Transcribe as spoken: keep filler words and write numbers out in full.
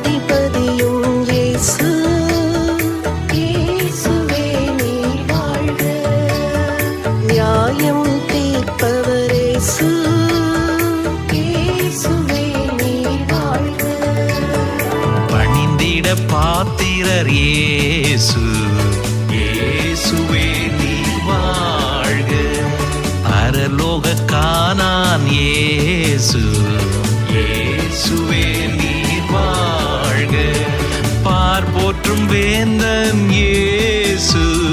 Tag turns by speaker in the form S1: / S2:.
S1: அதிபதியும் இயேசு. இயேசுவே நீர் வாழ்க. நியாயம் தீர்ப்பவர் இயேசு. இயேசுவே நீர் வாழ்க.
S2: பணிந்திட பாத்திரர் இயேசு. இயேசுவே நீர் வாழ்க. பரலோக கானான் இயேசு. இயேசுவே நீர் வாழ்க. பார் போற்றும் வேந்தன் இயேசு.